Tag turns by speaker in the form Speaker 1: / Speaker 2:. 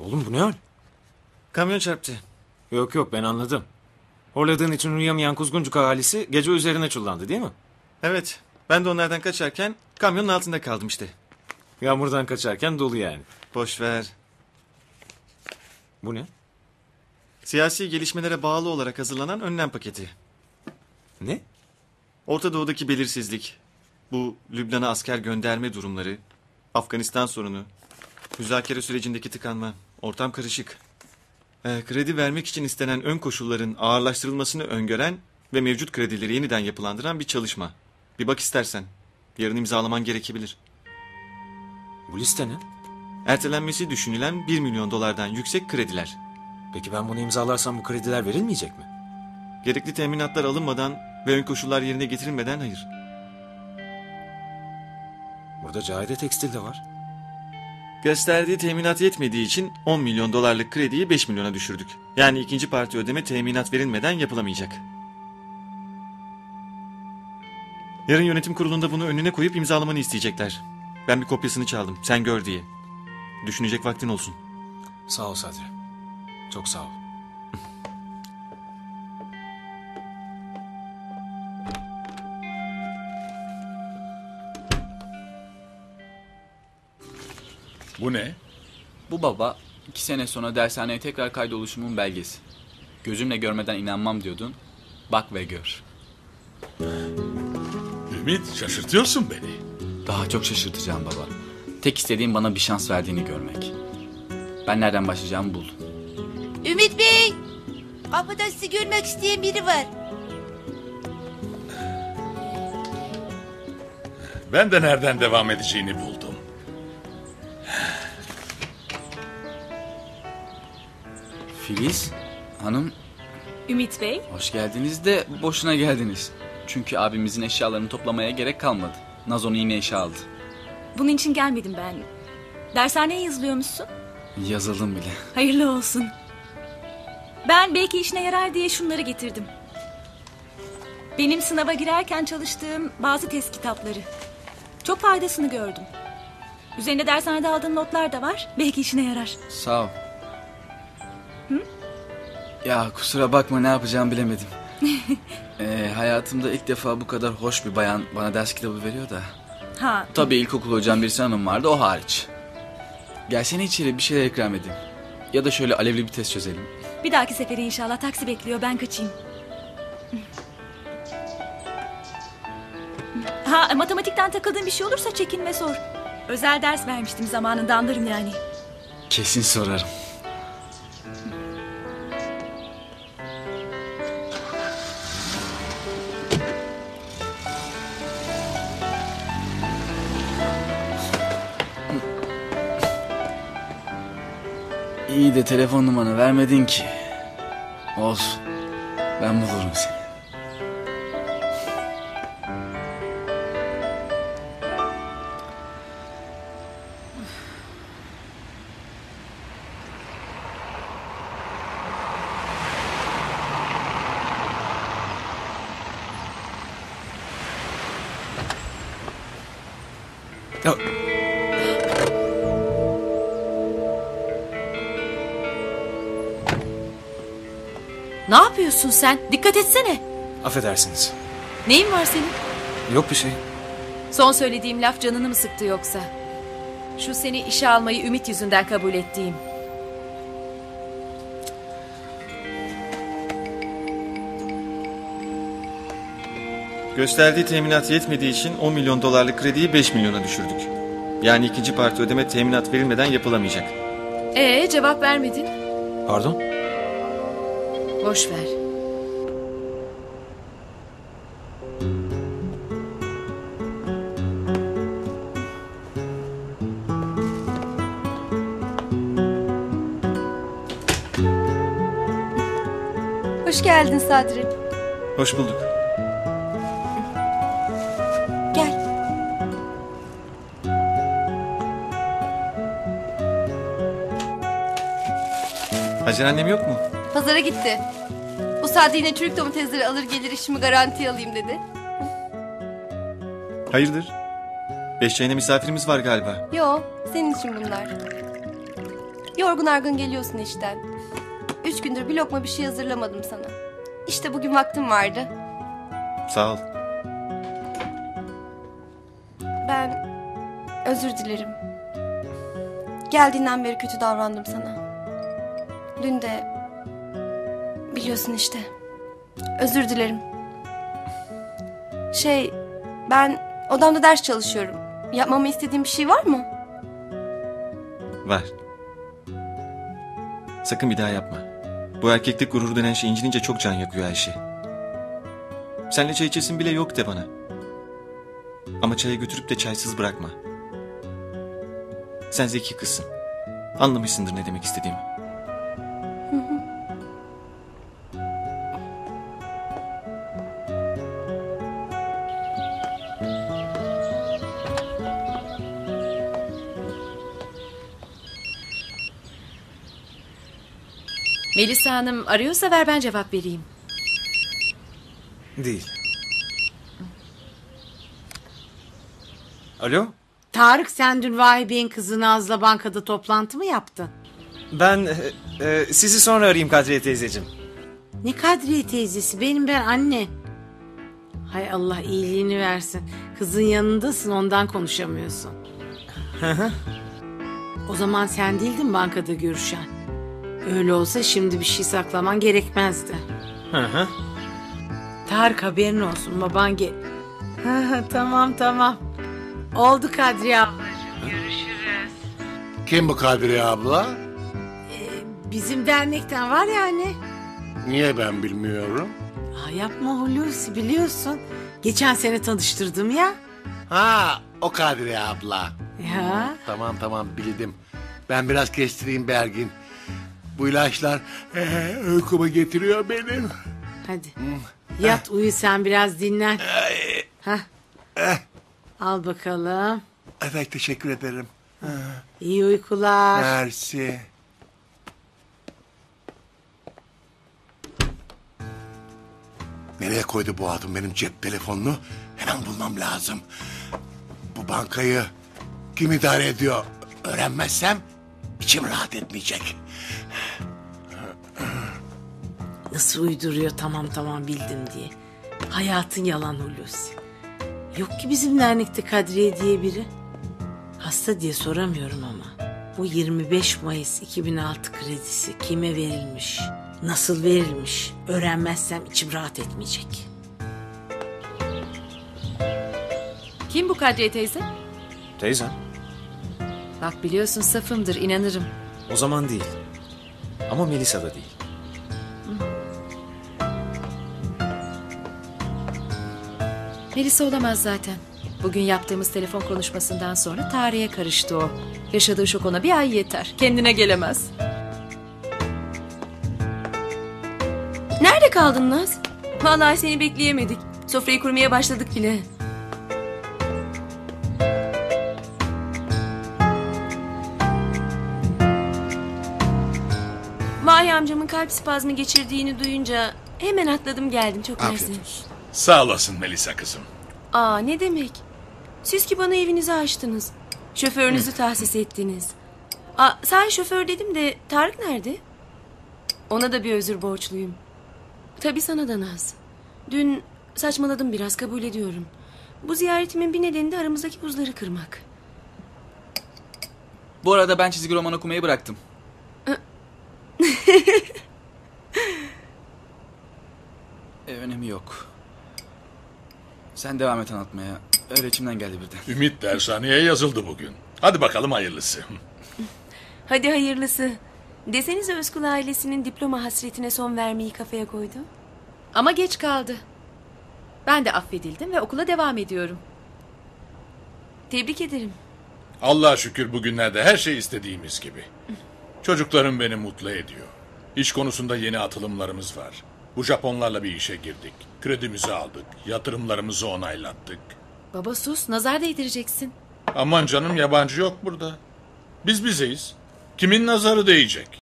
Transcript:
Speaker 1: Oğlum bu ne hal?
Speaker 2: Kamyon çarptı.
Speaker 1: Yok ben anladım. Horladığın için uyuyamayan Kuzguncuk ahalisi gece üzerine çullandı değil mi?
Speaker 2: Evet. Ben de onlardan kaçarken kamyonun altında kaldım işte.
Speaker 1: Yağmurdan kaçarken dolu yani.
Speaker 2: Boş ver.
Speaker 1: Bu ne?
Speaker 2: Siyasi gelişmelere bağlı olarak hazırlanan önlem paketi.
Speaker 1: Ne?
Speaker 2: Orta Doğu'daki belirsizlik, bu Lübnan'a asker gönderme durumları, Afganistan sorunu, müzakere sürecindeki tıkanma, ortam karışık. Kredi vermek için istenen ön koşulların ağırlaştırılmasını öngören ve mevcut kredileri yeniden yapılandıran bir çalışma. Bir bak istersen. Yarın imzalaman gerekebilir.
Speaker 1: Bu liste ne?
Speaker 2: Ertelenmesi düşünülen 1 milyon dolardan yüksek krediler.
Speaker 1: Peki ben bunu imzalarsam bu krediler verilmeyecek mi?
Speaker 2: Gerekli teminatlar alınmadan ve ön koşullar yerine getirilmeden hayır.
Speaker 1: Burada Cahide Tekstil de var.
Speaker 2: Gösterdiği teminat yetmediği için 10 milyon dolarlık krediyi 5 milyona düşürdük. Yani ikinci parti ödeme teminat verilmeden yapılamayacak. Yarın yönetim kurulunda bunu önüne koyup imzalamanı isteyecekler. Ben bir kopyasını çaldım, sen gör diye. Düşünecek vaktin olsun.
Speaker 1: Sağ ol Sadri. Çok sağ ol.
Speaker 3: Bu ne?
Speaker 4: Bu baba 2 sene sonra dershaneye tekrar kaydoluşumun belgesi. Gözümle görmeden inanmam diyordun. Bak ve gör.
Speaker 3: Ümit, şaşırtıyorsun beni.
Speaker 4: Daha çok şaşırtacağım baba. Tek istediğim bana bir şans verdiğini görmek. Ben nereden başlayacağımı buldum.
Speaker 5: Ümit Bey! Kapıda sizi görmek isteyen biri var.
Speaker 3: Ben de nereden devam edeceğini buldum.
Speaker 4: Filiz Hanım,
Speaker 6: Ümit Bey,
Speaker 4: hoş geldiniz de boşuna geldiniz. Çünkü abimizin eşyalarını toplamaya gerek kalmadı. Naz onu yine işe aldı.
Speaker 6: bunun için gelmedim ben. Dershaneye yazılıyormuşsun.
Speaker 4: Yazıldım bile.
Speaker 6: Hayırlı olsun. Ben belki işine yarar diye şunları getirdim. Benim sınava girerken çalıştığım bazı test kitapları. Çok faydasını gördüm. Üzerinde dershanede aldığım notlar da var. Belki işine yarar.
Speaker 4: Sağ ol. Ya kusura bakma, ne yapacağımı bilemedim. Hayatımda ilk defa bu kadar hoş bir bayan bana ders kitabı veriyor da.
Speaker 6: Ha.
Speaker 4: Tabii ilkokul hocam bir hanım vardı, o hariç. Gelsene içeri, bir şeyler ikram edeyim. Ya da şöyle alevli bir test çözelim.
Speaker 6: Bir dahaki sefere inşallah, taksi bekliyor, ben kaçayım. Ha, matematikten takıldığın bir şey olursa çekinme, sor. Özel ders vermiştim zamanında, anlarım yani.
Speaker 4: Kesin sorarım. İyi de telefon numaranı vermedin ki. Olsun. Ben bulurum seni.
Speaker 1: Ya,
Speaker 5: Ne yapıyorsun sen? Dikkat etsene.
Speaker 1: affedersiniz.
Speaker 5: Neyin var senin?
Speaker 1: Yok bir şey.
Speaker 5: Son söylediğim laf canını mı sıktı yoksa? Şu seni işe almayı Ümit yüzünden kabul ettiğim.
Speaker 2: Gösterdiği teminat yetmediği için 10 milyon dolarlık krediyi 5 milyona düşürdük. Yani ikinci parti ödeme teminat verilmeden yapılamayacak.
Speaker 5: Cevap vermedin.
Speaker 1: Pardon?
Speaker 5: Boş ver.
Speaker 7: Hoş geldin Sadri.
Speaker 2: Hoş bulduk.
Speaker 7: Gel.
Speaker 2: Hacer annem yok mu?
Speaker 7: Pazara gitti. Bu saatte yine çürük domatesleri alır gelir, işimi garantiye alayım dedi.
Speaker 2: Hayırdır? 5 çayına misafirimiz var galiba.
Speaker 7: Yo, senin için bunlar. Yorgun argın geliyorsun işten. 3 gündür bir lokma bir şey hazırlamadım sana. İşte bugün vaktim vardı.
Speaker 2: Sağ ol.
Speaker 7: Ben özür dilerim. Geldiğinden beri kötü davrandım sana. Dün de biliyorsun işte. Özür dilerim. Ben odamda ders çalışıyorum. Yapmamı istediğin bir şey var mı?
Speaker 2: Var. Sakın bir daha yapma. Bu erkeklik gururu denen şey incinince çok can yakıyor Ayşe. Senle çay içesin bile yok de bana. Ama çaya götürüp de çaysız bırakma. Sen zeki kızsın. Anlamışsındır ne demek istediğimi.
Speaker 5: Melisa Hanım arıyorsa ver ben cevap vereyim.
Speaker 1: Değil. Alo?
Speaker 8: Tarık, sen dün Vahibe'nin kızı Naz'la bankada toplantı mı yaptın?
Speaker 1: Ben sizi sonra arayayım Kadriye teyzeciğim.
Speaker 8: Ne Kadriye teyzesi, ben anne. Hay Allah iyiliğini versin. Kızın yanındasın, ondan konuşamıyorsun. O zaman sen değildin bankada görüşen. Öyle olsa şimdi bir şey saklaman gerekmezdi.
Speaker 1: Hı.
Speaker 8: Tarık, haberin olsun, baban Tamam. Oldu Kadriye ablacığım, görüşürüz.
Speaker 9: Kim bu Kadriye abla?
Speaker 8: Bizim dernekten var ya anne.
Speaker 9: Niye ben bilmiyorum?
Speaker 8: Yapma Hulusi, biliyorsun. Geçen sene tanıştırdım ya.
Speaker 9: Ha, o Kadriye abla.
Speaker 8: Ya.
Speaker 9: Tamam bildim. Ben biraz kestireyim Bergin. Bu ilaçlar uykumu getiriyor benim.
Speaker 8: Hadi. Yat uyu sen, biraz dinlen. Al bakalım.
Speaker 9: Evet, teşekkür ederim.
Speaker 8: İyi uykular.
Speaker 9: Mersi. Nereye koydu bu adam benim cep telefonunu? Hemen bulmam lazım. Bu bankayı kim idare ediyor öğrenmezsem içim rahat etmeyecek.
Speaker 8: Nasıl uyduruyor tamam bildim diye. Hayatın yalan Hulusi. Yok ki bizim dernekte Kadriye diye biri. Hasta diye soramıyorum ama. Bu 25 Mayıs 2006 kredisi kime verilmiş? Nasıl verilmiş? Öğrenmezsem içim rahat etmeyecek.
Speaker 5: Kim bu Kadriye teyze?
Speaker 1: Teyzem.
Speaker 5: Bak biliyorsun safımdır, inanırım.
Speaker 1: O zaman değil. Ama Melisa da değil.
Speaker 5: Melisa olamaz zaten. Bugün yaptığımız telefon konuşmasından sonra tarihe karıştı o. Yaşadığı şok ona bir ay yeter. Kendine gelemez.
Speaker 7: Nerede kaldın Naz? Vallahi seni bekleyemedik. Sofrayı kurmaya başladık bile. Vahiy amcamın kalp spazmı geçirdiğini duyunca hemen atladım geldim, çok mersi.
Speaker 9: Afiyet olsun.
Speaker 3: Sağ olasın Melisa kızım.
Speaker 7: Aa, ne demek? Siz ki bana evinizi açtınız. Şoförünüzü tahsis ettiniz. Sahi şoför dedim de Tarık nerede? Ona da bir özür borçluyum. Tabii sana da Naz. Dün saçmaladım biraz, kabul ediyorum. Bu ziyaretimin bir nedeni de aramızdaki buzları kırmak.
Speaker 4: Bu arada ben çizgi roman okumayı bıraktım. Önemi yok. Sen devam et anlatmaya. Öyle içimden geldi birden.
Speaker 3: Ümit dershaneye yazıldı bugün. Hadi bakalım hayırlısı.
Speaker 7: Hadi hayırlısı. Desenize Özkul ailesinin diploma hasretine son vermeyi kafaya koydu.
Speaker 5: Ama geç kaldı. Ben de affedildim ve okula devam ediyorum.
Speaker 7: Tebrik ederim.
Speaker 3: Allah'a şükür bugünlerde her şey istediğimiz gibi. Çocuklarım beni mutlu ediyor. İş konusunda yeni atılımlarımız var. Bu Japonlarla bir işe girdik. Kredimizi aldık. Yatırımlarımızı onaylattık.
Speaker 5: Baba sus, nazar değdireceksin.
Speaker 3: Aman canım, yabancı yok burada. Biz bizeyiz. Kimin nazarı değecek?